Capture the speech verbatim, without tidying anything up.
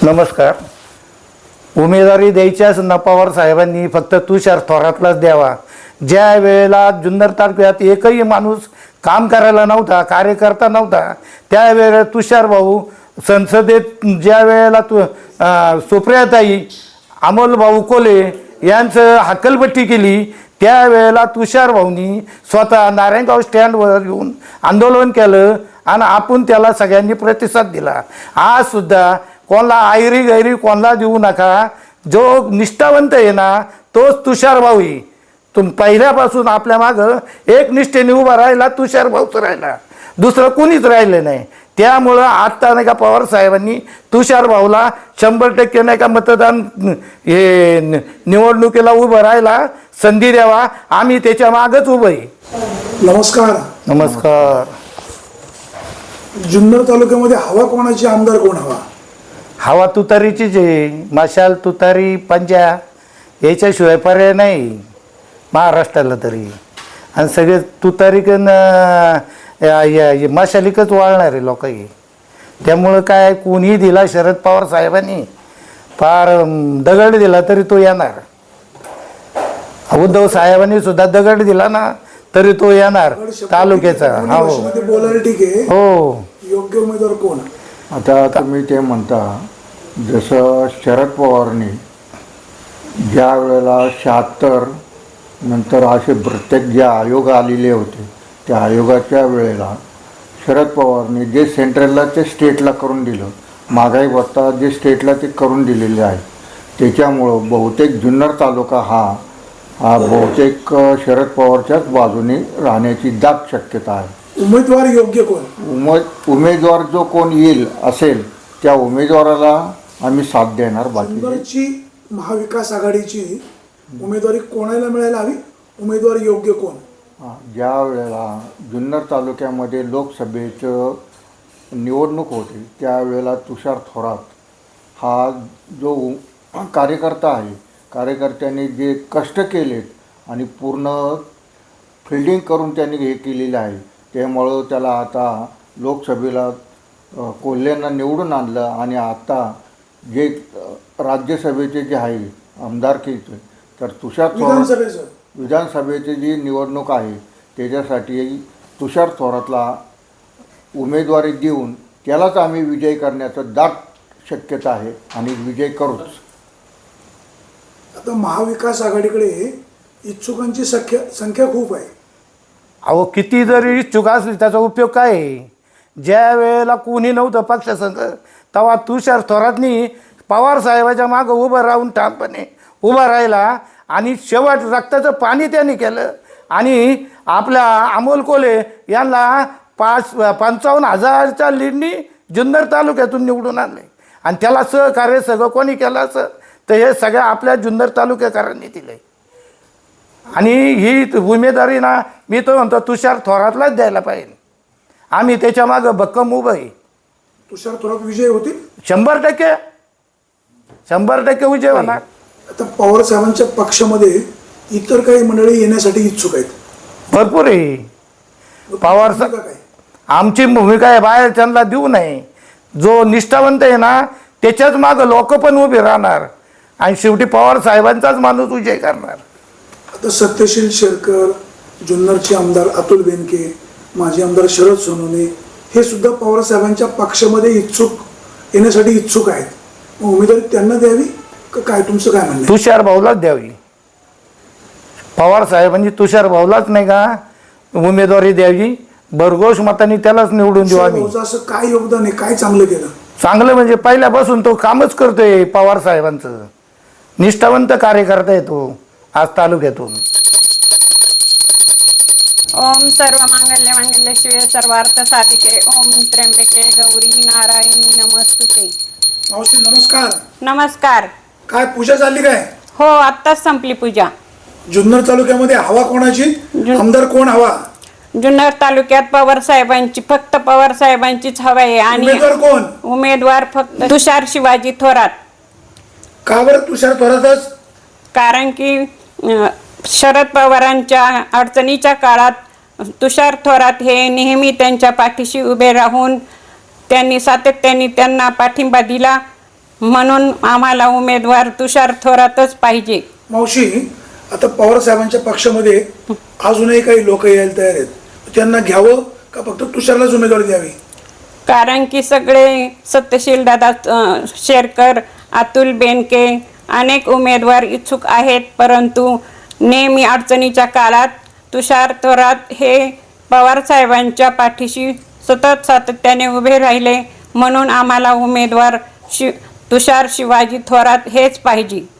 नमस्कार. उमेदवारी द्यायच्याच ना पवार साहेबांनी फक्त तुषार थोरातलाच द्यावा. ज्या वेळेला जुन्नर तालुक्यात एकही माणूस काम करायला नव्हता, कार्यकर्ता नव्हता, त्यावेळेला तुषार भाऊ संसदेत ज्या वेळेला तु सुप्रियाताई अमोल भाऊ कोले यांचं हक्कलपट्टी केली, त्यावेळेला तुषार भाऊनी स्वतः नारायणगाव स्टँडवर येऊन आंदोलन केलं आणि आपण त्याला सगळ्यांनी प्रतिसाद दिला. आज सुद्धा कोणाला आयरी गैरी कोणाला देऊ नका. जो निष्ठावंत आहे ना तोच तुषार भाऊ आहे. तुम पहिल्यापासून आपल्या मागं एक निष्ठेने उभा राहिला तुषार भाऊच राहिला, दुसरं कुणीच राहिलं नाही. त्यामुळं आत्ता नाही का पवार साहेबांनी तुषार भाऊला शंभर टक्के नाही का मतदान हे निवडणुकीला उभं राहायला संधी द्यावा. आम्ही त्याच्या मागच उभं आहे. नमस्कार. नमस्कार. जुन्नर तालुक्यामध्ये हवा कोणाची, आमदार कोण हवा? हवा तुतारीचीच आहे. मशाल तुतारी पंजा याच्याशिवाय पर्याय नाही महाराष्ट्राला तरी. आणि सगळे तुतारीकन मशालिकच वाळणारे लोक आहे. त्यामुळं काय कोणीही दिला शरद पवार साहेबांनी फार दगड दिला तरी तो येणार. उद्धव साहेबांनी सुद्धा दगड दिला ना तरी तो येणार तालुक्याचा. हो बोलायला ठीक आहे. हो. योग्य उमेदवार कोण? आता तुम्ही ते म्हणता जसं शरद पवारनी ज्या वेळेला शहात्तर नंतर असे प्रत्येक जे आयोग आलेले होते त्या आयोगाच्या वेळेला शरद पवारनी जे सेंट्रलला ते स्टेटला करून दिलं, महागाई भत्ता जे स्टेटला ते करून दिलेले आहे, त्याच्यामुळं बहुतेक जुन्नर तालुका हा हा बहुतेक शरद पवारच्याच बाजूने राहण्याची दाट शक्यता आहे. उमेदवार योग्य कोण? उमे उमेदवार जो कोण येईल असेल त्या उमेदवाराला आम्ही साथ देणार. बाकी जुन्नरची महाविकास आघाडीची उमेदवारी कोणाला मिळायला हवी? उमेदवार योग्य कोण? ज्या वेळेला जुन्नर तालुक्यामध्ये लोकसभेचं निवडणूक होती त्यावेळेला तुषार थोरात हा जो कार्यकर्ता आहे, कार्यकर्त्यांनी जे कष्ट केलेत आणि पूर्ण फिल्डिंग करून त्यांनी हे केलेलं आहे, त्यामुळं त्याला आता लोकसभेला कोल्ह्यांना निवडून आणलं. आणि आता जे राज्यसभेचे जे आहे आमदारकीचे तर तुषार थोरात विधानसभेची जी निवडणूक आहे त्याच्यासाठी तुषार थोरातला उमेदवारी देऊन त्यालाच आम्ही विजय करण्याचं दाट शक्यता आहे आणि विजय करूच. आता महाविकास आघाडीकडे इच्छुकांची संख्या संख्या खूप आहे. अहो किती जरी इच्छुक असली त्याचा उपयोग काय आहे? ज्या वेळेला कोणी नव्हतं पक्षसंघ तेव्हा तुषार थोरातनी पवार साहेबाच्या मागं उभं राहून ठामपणे उभा राहिला आणि शेवट रक्ताचं पाणी त्यांनी केलं आणि आपल्या अमोल कोले यांना पाच पंचावन्न हजारच्या लीडनी जुन्नर तालुक्यातून निवडून आणले. आणि त्याला सहकार्य सगळं कोणी केलं असं तर हे सगळ्या आपल्या जुन्नर तालुक्याकारांनी दिलं. आणि ही उमेदवारी ना मी तो म्हणतो तुषार थोरातलाच द्यायला पाहिजे. आम्ही त्याच्या मागं भक्कम उभं आहे. तुषार थोरात विजय होतील शंभर टक्के शंभर टक्के विजय होणार. आता पवार साहेबांच्या पक्षामध्ये इतर काही मंडळी येण्यासाठी इच्छुक आहेत. भरपूर आहे. पवार साहेब काय आमची भूमिका आहे बाहेर त्यांना देऊ नये. जो निष्ठावंत आहे ना त्याच्याच मागं लोक पण उभे राहणार आणि शेवटी पवार साहेबांचाच माणूस विजय करणार. आता सत्यशील शेरकर, जुन्नरचे आमदार अतुल बेनके, माजी आमदार शरद सोनवणे हे सुद्धा पवार साहेबांच्या पक्षामध्ये इच्छुक येण्यासाठी इच्छुक आहेत. मग उमेदवारी त्यांना द्यावी का काय? तुमचं काय म्हणणं? तुषार भाऊलाच द्यावी. पवार साहेबांनी तुषार भाऊलाच नाही का उमेदवारी द्यावी. भरघोष मतांनी त्यालाच निवडून देऊ आम्ही. असं काय योगदान आहे, काय चांगलं केलं? चांगलं म्हणजे पहिल्यापासून तो कामच करतोय. पवार साहेबांचं निष्ठावंत कार्यकर्ता आहे तो आज तालुक्यातून. ओम सर्व मांगल्य मांगल्य शिवे सर्वार्थ साधिके ओम त्र्यंबके गौरी नारायणी नमस्तुते. मावशी नमस्कार. नमस्कार. काय पूजा चालली काय? हो आत्ताच संपली पूजा. जुन्नर तालुक्यामध्ये हवा कोणाची, आमदार कोण हवा? जुन्नर तालुक्यात पवार साहेबांची, फक्त पवार साहेबांचीच हवा आहे. आणि उमेदवार कोण? उमेदवार फक्त तुषार शिवाजी थोरात. का बरं तुषार थोरातच? कारण की अं, शरद पवारांच्या अडचणीच्या काळात तुषार थोरात हे नेहमी त्यांच्या पाठीशी उभे राहून त्यांनी सातत्याने त्यांना पाठिंबा दिला. म्हणून आम्हाला उमेदवार तुषार थोरातच पाहिजे. मावशी, आता पवार साहेबांच्या पक्षामध्ये अजूनही काही लोक यायला तयार आहेत, त्यांना घ्यावं का फक्त तुषारलाच उमेदवारी द्यावी? कारण की सगळे सत्यशील दादा अ, शेरकर, अतुल बेनके अनेक उमेदवार इच्छुक आहेत, परंतु नेहमी अडचणीच्या काळात तुषार थोरात हे पवार साहेबांच्या पाठीशी सतत सातत्याने उभे राहिले, म्हणून आम्हाला उमेदवार शि तुषार शिवाजी थोरात हेच पाहिजे.